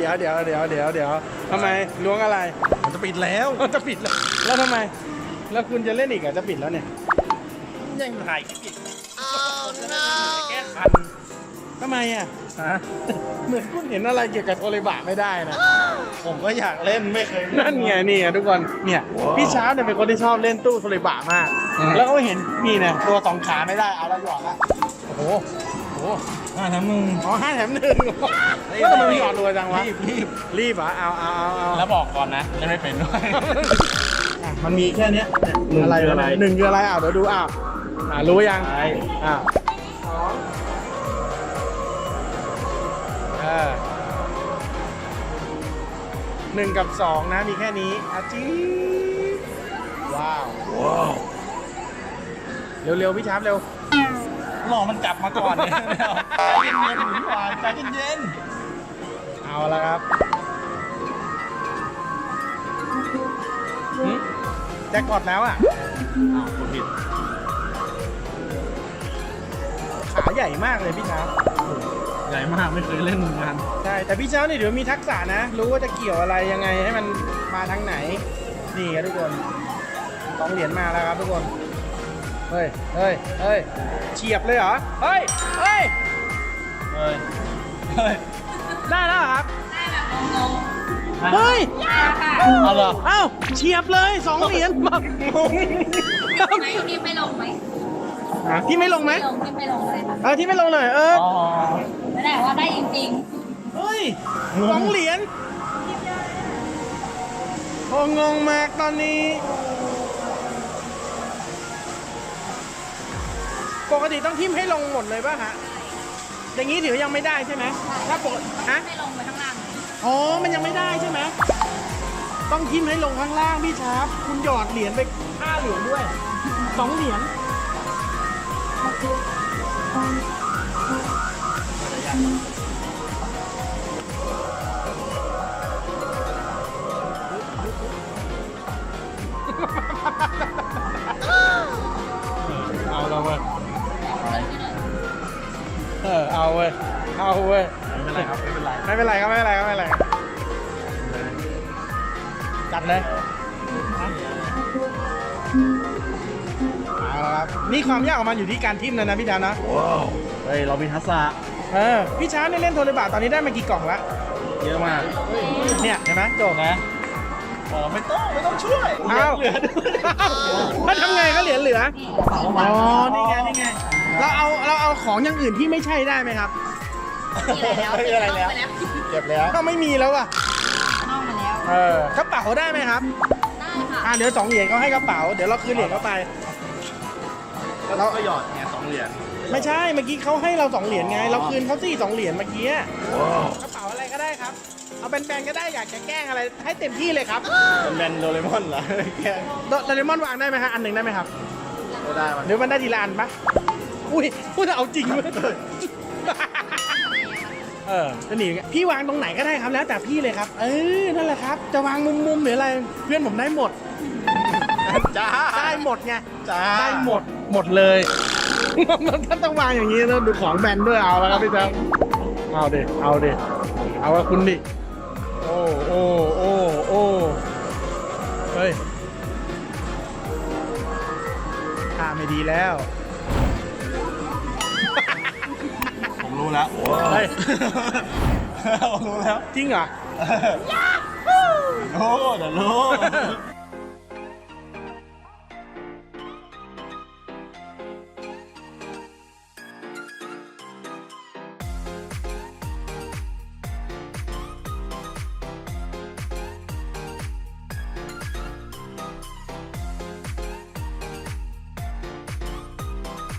ยวทำไมล้วงอะไรมันจะปิดแล้วแล้วทำไมแล้วคุณจะเล่นอีกจะปิดแล้วเนี่ยยังถ่ายคลิปอีกแก้คันทำไมเหมือนคุณเห็นอะไรเกี่ยวกับโอลิบะไม่ได้นะผมก็อยากเล่นไม่เคยนั่นไงนี่ทุกคนเนี่ยพี่ช้าเนี่ยเป็นคนที่ชอบเล่นตู้โอลิบะมากแล้วก็เห็นนี่เนี่ยตัวสองขาไม่ได้เอาแล้วหยอดละโอ้โห 5 แถม 1 อ๋อ5 แถม 1ว่าทำไมมันหยอดรวยจังวะรีบเหรอเอาแล้วบอกก่อนนะเล่นไม่เป็นด้วยมันมีแค่นี้อะไรหนึ่งคืออะไรเดี๋ยวดูรู้ยัง1 กับ 2นะมีแค่นี้จี๊ว้าวเร็วพี่ชาร์ปเร็วรอมันกลับมาก่อนเนี่ยใจเย็นๆหมุนหวานใจเย็นเอาละครับแจ็คพอตแล้วคนผิดขาใหญ่มากเลยพี่ชาร์ปใหญ่มากไม่เคยเล่นเหมือนกันใช่แต่พี่เช้านี่เดี๋ยวมีทักษะนะรู้ว่าจะเกี่ยวอะไรยังไงให้มันมาทางไหนนี่ครับทุกคน2 เหรียญมาแล้วครับทุกคนเฮ้ยเฉียบเลยเหรอเฮ้ยได้แล้วครับเฮ้ยเอาเหรอเฉียบเลย2 เหรียญแบบที่ไม่ลงไหมที่ไม่ลงไหมที่ไม่ลงเลยค่ะที่ไม่ลงหน่อยไม่ได้ว่าได้จริงๆเฮ้ย2 เหรียญงงมากตอนนี้ปกติต้องทิ่มให้ลงหมดเลยป่ะฮะอย่างนี้ถือยังไม่ได้ใช่ไหมถ้าปกติไม่ลงไปข้างล่างมันยังไม่ได้ใช่ไหมต้องทิ่มให้ลงข้างล่างพี่ชาร์ปคุณหยอดเหรียญไป5 เหรียญด้วย2 เหรียญเอาแล้วเว้ยเอาเว้ยไม่เป็นไรครับไม่เป็นไรจัดเลยเอาละครับนี่ความยากของมันอยู่ที่การทิ่มนะพี่ดาวนะเฮ้ยเรามีทักษะพี่ช้าเนี่ยเล่นโทรบาทตอนนี้ได้มากี่กล่องละเยอะมากเนี่ยเห็นไหมโจนะไม่ต้องช่วยเหลือถ้าทำไงก็เหลือนี่ไงเราเอาของอย่างอื่นที่ไม่ใช่ได้ไหมครับไม่มีอะไรแล้วเก็บแล้วก็ไม่มีแล้วอ่ะนอกมาแล้วกระเป๋าได้ไหมครับได้ค่ะเดี๋ยว2 เหรียญเขาให้กระเป๋าเดี๋ยวเราคืนเหรียญเข้าไปเราก็หยอดไง2 เหรียญไม่ใช่เมื่อกี้เขาให้เรา2 เหรียญไงเราคืนเขา2 เหรียญเมื่อกี้กระเป๋าอะไรก็ได้ครับเอาแบนๆก็ได้อยากจะแกล้งอะไรให้เต็มที่เลยครับแบนโดเรมอนเหรอแกล้งโดเรมอนวางได้ไหมฮะอัน 1ได้ไหมครับได้หรือมันได้ทีละอันปะอุ้ยพูดเอาจริงเลยจะหนีพี่วางตรงไหนก็ได้ครับแล้วแต่พี่เลยครับนั่นแหละครับจะวางมุมหรืออะไรเพื่อนผมได้หมดได้หมดไงได้หมดเลยท่านต้องวางอย่างนี้แล้วดูของแบนด้วยเอาแล้วครับพี่แจ๊คเอาดิเอาว่าคุณดิโอ้เฮ้ยท่าไม่ดีแล้วผมรู้แล้วรู้แล้วจริงเหรอเดี๋ยวรู้